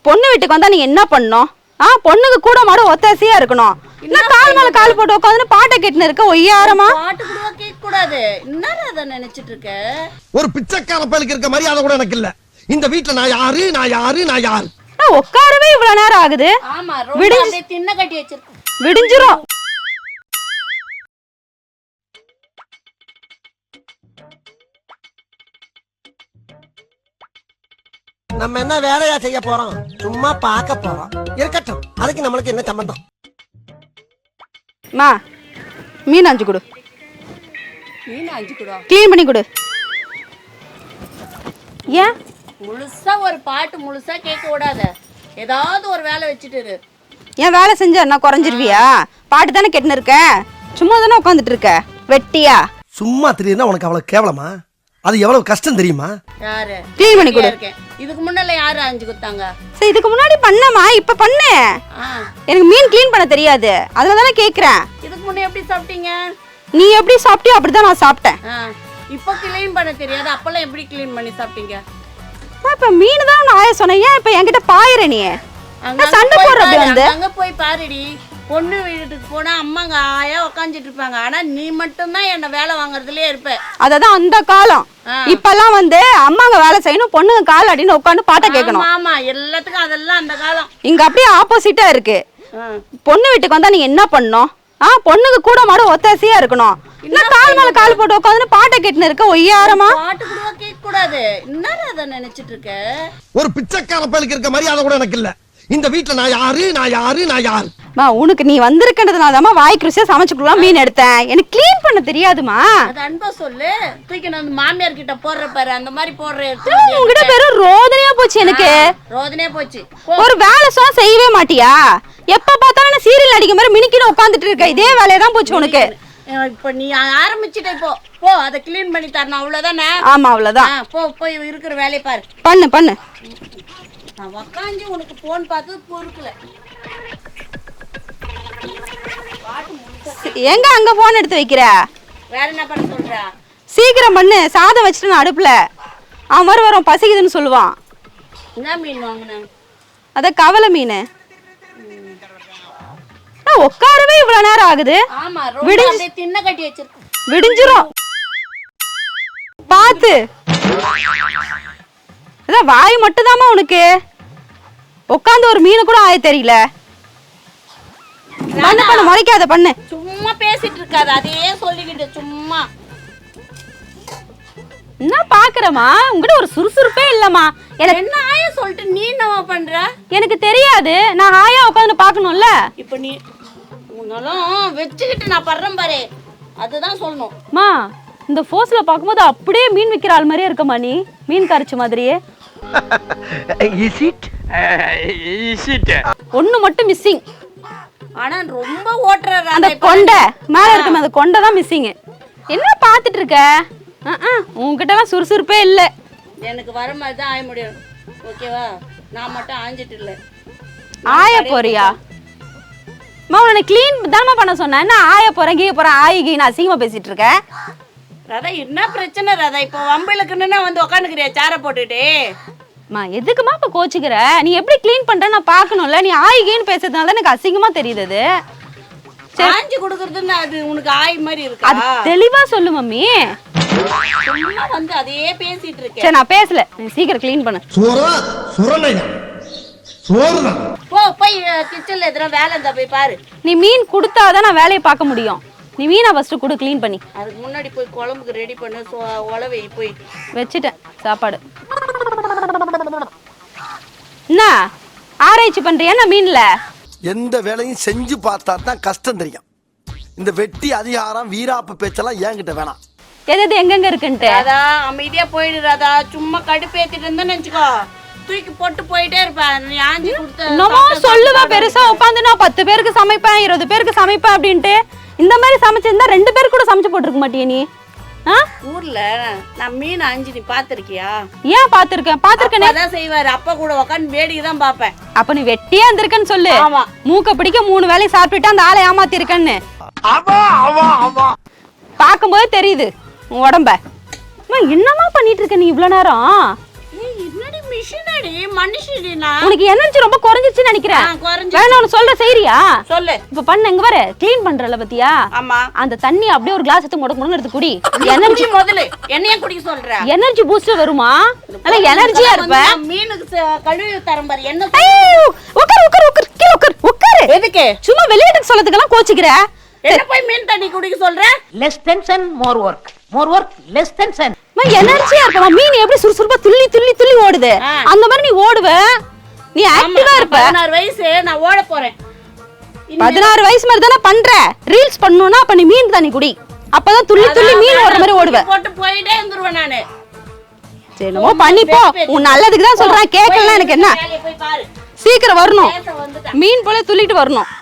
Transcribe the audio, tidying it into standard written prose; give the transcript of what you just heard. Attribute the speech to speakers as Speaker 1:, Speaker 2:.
Speaker 1: பொண்ணு வீட்டுக்கு வந்தா நீங்க என்ன பண்ணணும்? பொண்ணுக்கு கூட மாட ஒத்தாசையா இருக்கணும். என்ன கால் மேல கால் போட்டு உட்காந்து பாட்டை கேட்டுன்னு இருக்க ஒய்யாரமா?
Speaker 2: பாட்டு கூட கேட்க கூடாது. என்னடா அத நினைச்சிட்டு இருக்க?
Speaker 3: ஒரு பிச்சைக்கார பயலுக்கு இருக்க மரியாதை கூட எனக்கு இல்ல. இந்த வீட்ல நான் யாரு நான் யாரு நான் யாரு?
Speaker 1: உட்காரவே இவ்வளவு நேரம் ஆகுது.
Speaker 2: ஆமா, ரொம்ப அப்படியே தின்ன கட்டி வச்சிருக்க.
Speaker 1: விடிஞ்சிரும்.
Speaker 3: நம்ம என்ன வேலையா செய்ய போறோம்? சும்மா பார்க்க போறோம். இருக்கட்டும், அதுக்கு நம்மளுக்கு என்ன சம்பந்தம்?
Speaker 1: மா, மீன் 5 கொடு.
Speaker 2: மீன் 5 கொடு.
Speaker 1: க்ளீன் பண்ணி கொடு. ஏன்
Speaker 2: முழுசா ஒரு பாட்டு முழுசா கேட்க கூடாத. ஏதாவது ஒரு வேலை வச்சுட்டு இரு.
Speaker 1: ஏன் வேலை செஞ்சா என்ன குறைஞ்சிருவியா? பாட்டு தானே கேட்டுன்னு இருக்க. சும்மா தானே உட்காந்துட்டு இருக்க வெட்டியா?
Speaker 3: சும்மா தெரியுதுன்னா உனக்கு அவ்வளவு கேவலமா? அது எவ்வளவு கஷ்டம் தெரியுமா?
Speaker 2: யாரு
Speaker 1: க்ளீன் பண்ணி கொடு.
Speaker 2: இதுக்கு முன்னால யாரு 5 கொடுத்தாங்க?
Speaker 1: சரி, இதுக்கு முன்னாடி பண்ணமா, இப்ப பண்ணு. எனக்கு மீன் க்ளீன் பண்ண தெரியாது, அதனால தானே கேக்குறேன்.
Speaker 2: இதுக்கு முன்ன எப்படி சாப்பிட்டீங்க?
Speaker 1: நீ எப்படி சாப்பிட்டியோ அப்படிதான் நான் சாப்பிட்டேன்.
Speaker 2: இப்ப க்ளீன் பண்ண தெரியாது, அப்பெல்லாம் எப்படி க்ளீன் பண்ணி சாப்பிட்டீங்க?
Speaker 1: இப்ப மீன் தான் நான் ஆய சொன்னேன். ஏன் இப்ப என்கிட்ட பாயிர நீ சண்டை போடுற? அப்படி வந்து
Speaker 2: அங்க போய் பாருடி. பொண்ணு வீட்டுக்கு போனா அம்மாங்க ஆயா உட்காந்துட்டு இருப்பாங்க. ஆனா நீ மட்டும் தான் என்ன வேலை வாங்குறதுலயே இருப்ப.
Speaker 1: அததான் அந்த காலம். இப்பெல்லாம் வந்து அம்மாங்க வேலை செய்யணும், பொண்ணுங்க கால் அடின்னு உட்காந்து பாட்டை கேட்கணும்.
Speaker 2: ஆமா, எல்லாத்துக்கும் அதெல்லாம் அந்த காலம்.
Speaker 1: இங்க அப்படியே ஆப்போசிட்டா இருக்கு. பொண்ணு வீட்டுக்கு வந்தா நீங்க என்ன பண்ணணும்? பொண்ணுக்கு கூட மாட ஒத்தாசையா இருக்கணும். என்ன கால் மேல கால் போட்டு உட்காந்து பாட்டை கேட்டுன்னு இருக்க ஒய்யாரமா?
Speaker 2: பாட்டு கூட கேட்க கூடாது. என்னடா அத நினைச்சிட்டு இருக்க?
Speaker 3: ஒரு பிச்சைக்கார பயலுக்கு இருக்க மரியாதை கூட எனக்கு இல்ல. இந்த வீட்ல நான் யாரு நான் யாரு நான் யாரு?
Speaker 1: உனக்கு நீ வந்திருக்கிறதுனால தான் வாய்க்கு ருசியா சமைச்சுக்கலாம் மீன் எடுத்தேன். எனக்கு க்ளீன் பண்ண தெரியாதுமா.
Speaker 2: அது அன்பா சொல்லு. தூக்கி நான் மாமியார் கிட்ட போடுற பாரு, அந்த மாதிரி போடுற.
Speaker 1: உங்ககிட்ட பேரும் ரோதனையா போச்சு எனக்கு.
Speaker 2: ரோதனையா போச்சு.
Speaker 1: ஒரு வேலை சொன்னா செய்யவே மாட்டியா? எப்ப பார்த்தாலும் சீரியல் நடிக்க மாதிரி மினிக்கின்னு உட்காந்துட்டு இருக்க. இதே வேலையை தான் போச்சு உனக்கு.
Speaker 2: இப்ப நீ ஆரம்பிச்சிட்ட. இப்போ போ, அதை க்ளீன் பண்ணி தரணும், அவ்வளவுதானே?
Speaker 1: ஆமா, அவ்வளவுதான்.
Speaker 2: போய் இருக்கிற வேலையை பாரு.
Speaker 1: பண்ணு.
Speaker 2: நான் உக்காந்து உனக்கு போன் பார்த்து பொறுக்கல.
Speaker 1: எங்க அங்க போன் எடுத்து வைக்கிற?
Speaker 2: வேற என்ன பண்ண சொல்ற?
Speaker 1: சீக்கிரம் பண்ணு. சாதம் வச்சுட்டு அடுப்புல. அவன் வரும் பசிக்குதுன்னு சொல்லுவான்.
Speaker 2: என்ன மீன் வாங்கின?
Speaker 1: அத கவலை மீன். உட்காரவே இவ்வளவு நேரம் ஆகுது.
Speaker 2: ஆமா, ரொம்ப தின்ன கட்டி வச்சிருக்க.
Speaker 1: விடிஞ்சிரும். பாத்து அதான் வாய் மட்டும்தாமா உனக்கு. உட்காந்து ஒரு மீன் கூட ஆய தெரியல. பண்ணு முறைக்காத பண்ணு.
Speaker 2: சும்மா பேசிட்டு இருக்காத, அதையே சொல்லிக்கிட்டு சும்மா.
Speaker 1: என்ன பாக்குறமா? உங்ககிட்ட ஒரு சுறுசுறுப்பே இல்லம்மா. எனக்கு
Speaker 2: என்ன ஆயா சொல்லிட்டு நீ என்னவா பண்ற?
Speaker 1: எனக்கு தெரியாது. நான் ஆயா உட்காந்து பாக்கணும்ல.
Speaker 2: இப்ப நீ உன்னாலும் வச்சுக்கிட்டு நான் படுறேன் பாரு, அதுதான் சொல்லணும்.
Speaker 1: மா, இந்த போஸ்ல பாக்கும்போது அப்படியே மீன் விக்கிற ஆள் மாதிரியே இருக்கமா. நீ மீன் கரைச்ச மாதிரியே. ஒண்ணு மட்டும் மிஸ்ஸிங்.
Speaker 2: ஆனா ரொம்ப ஓட்டுற
Speaker 1: அந்த கொண்டை மேல இருக்குமே, அந்த கொண்டை தான் மிஸ்ஸிங். என்ன பாத்துட்டு இருக்க? உங்ககிட்ட எல்லாம் சுறுசுறுப்பே இல்ல.
Speaker 2: எனக்கு வர மாதிரி தான் ஆய முடியும், ஓகேவா? நான் மட்டும் ஆஞ்சிட்டு இல்ல.
Speaker 1: ஆய போறியா? உன்னை கிளீன் தானமா பண்ண சொன்னேன். என்ன ஆய போறேன் கீழ போறேன் ஆயி நான் அசிங்கமா பேசிட்டு இருக்கேன்.
Speaker 2: ராதா, என்ன பிரச்சனை ராதா? இப்போ வம்பிலுக்குன்னா வந்து உட்காந்துக்கிறியா சேர போட்டுட்டு?
Speaker 1: எதுக்குமா இப்ப கோச்சுக்கிற? நீ எப்படி கிளீன் பண்ற நான் பாக்கணும்ல. நீ ஆயின்னு பேசுறதுனால எனக்கு அசிங்கமா தெரியுது.
Speaker 2: ஆஞ்சி கொடுக்கறதுன்னு அது உனக்கு ஆய் மாதிரி இருக்கா?
Speaker 1: அது தெளிவா சொல்லு மம்மி.
Speaker 2: சும்மா வந்து அதையே பேசிட்டு இருக்கேன்.
Speaker 1: சரி, நான் பேசல. நீ சீக்கிரம் கிளீன் பண்ணு.
Speaker 2: போய் கிச்சன்ல எதுனா வேலை இருந்தா போய் பாரு.
Speaker 1: நீ மீன் கொடுத்தாதான் நான் வேலையை பார்க்க முடியும். நீ மீனை ஃபர்ஸ்ட் கொடு க்ளீன் பண்ணி.
Speaker 2: அதுக்கு முன்னாடி போய் குழம்புக்கு ரெடி பண்ணு. உளவை போய்
Speaker 1: வச்சுட்டேன் சாப்பாடு. என்ன ஆராய்ச்சி பண்றியா நான் மீன்ல?
Speaker 3: எந்த வேலையும் செஞ்சு பார்த்தா தான் கஷ்டம் தெரியும். இந்த வெட்டி அதிகாரம் வீராப்பு பேச்செல்லாம் என்கிட்ட வேணாம்.
Speaker 1: எது எங்கெங்க இருக்குன்ட்டு
Speaker 2: ராதா அமைதியா போயிடுறாதா. சும்மா கடுப்பேத்திட்டு இருந்தேன்னு நினைச்சுக்கோ, தூக்கி போட்டு போயிட்டே இருப்பேன். நீ ஆஞ்சி கொடுத்த
Speaker 1: சொல்லுவா பெருசா உட்காந்து நான் 10 பேருக்கு சமைப்பேன் 20 பேருக்கு சமைப்பேன் அப்படின்ட்டு. இந்த மாதிரி சமைச்சிருந்தா 2 பேர் கூட சமைச்சு போட்டுருக்க மாட்டியா நீ?
Speaker 2: ஊர்ல நான் மீன் ஆஞ்சி நீ பாத்திருக்கியா?
Speaker 1: ஏன் பாத்திருக்கேன்.
Speaker 2: அதான் செய்வாரு. அப்பா கூட உட்காந்து வேடிக்கை தான் பாப்பேன்.
Speaker 1: அப்ப நீ வெட்டியா இருந்திருக்கன்னு சொல்லு.
Speaker 2: ஆமா,
Speaker 1: மூக்க பிடிக்க 3 வேலையை சாப்பிட்டுட்டு அந்த ஆளை ஏமாத்தி இருக்கன்னு பாக்கும்போது தெரியுது உன் உடம்ப. என்னமா பண்ணிட்டு இருக்க நீ இவ்வளவு நேரம்?
Speaker 2: என்னடி மிஷின் இல்லடி மனுஷடினா.
Speaker 1: உனக்கு எனர்ஜி ரொம்ப குறைஞ்சிருச்சுன்னு நினைக்கிறேன். வேணா ஒன்னு சொல்ற செய்றியா?
Speaker 2: சொல்லு.
Speaker 1: இப்ப பண்ண இங்க வர க்ளீன் பண்றல பத்தியா?
Speaker 2: ஆமா.
Speaker 1: அந்த தண்ணி அப்படியே ஒரு கிளாஸ் எடுத்து முடக்கு எடுத்து குடி.
Speaker 2: எனர்ஜி முதல்ல என்னைய குடிக்க சொல்ற?
Speaker 1: எனர்ஜி பூஸ்டர் வருமா? நல்ல எனர்ஜியா இருப்ப.
Speaker 2: மீனுக்கு கழுவி தரம் பாரு. என்ன
Speaker 1: உட்கார் உட்கார் உட்கார் கீழ உட்கார் உட்கார்.
Speaker 2: எதுக்கு?
Speaker 1: சும்மா விளையாட்டுக்கு சொல்லதுக்கெல்லாம் கோச்சிக்கிற.
Speaker 2: என்ன போய் மீன் தண்ணி குடிக்க சொல்ற?
Speaker 4: less tension more work less tension.
Speaker 1: எனர்ஜியா இருப்ப. மீன் எப்படி சுறுசுறுப்பா துள்ளி துள்ளி துள்ளி ஓடுது அந்த மாதிரி நீ ஓடுவ. நீ ஆக்டிவா இருப்ப.
Speaker 2: 16 வயசு நான் ஓட போறேன்.
Speaker 1: 16 வயசு மாதிரி தான பண்ற. ரீல்ஸ் பண்ணனும்னா அப்ப நீ மீன் தண்ணி குடி. அப்பதான் துள்ளி துள்ளி மீன் ஓடுற மாதிரி ஓடுவ.
Speaker 2: போட்டு போயிட்டே இருந்துருவேன் நானு.
Speaker 1: சரிமோ பண்ணி போ. உன் நல்லதுக்கு தான் சொல்றேன். கேக்கலனா எனக்கு என்ன?
Speaker 2: போய் பாரு.
Speaker 1: சீக்கிரம் வரணும். மீன் போல துள்ளிட்டு வரணும்.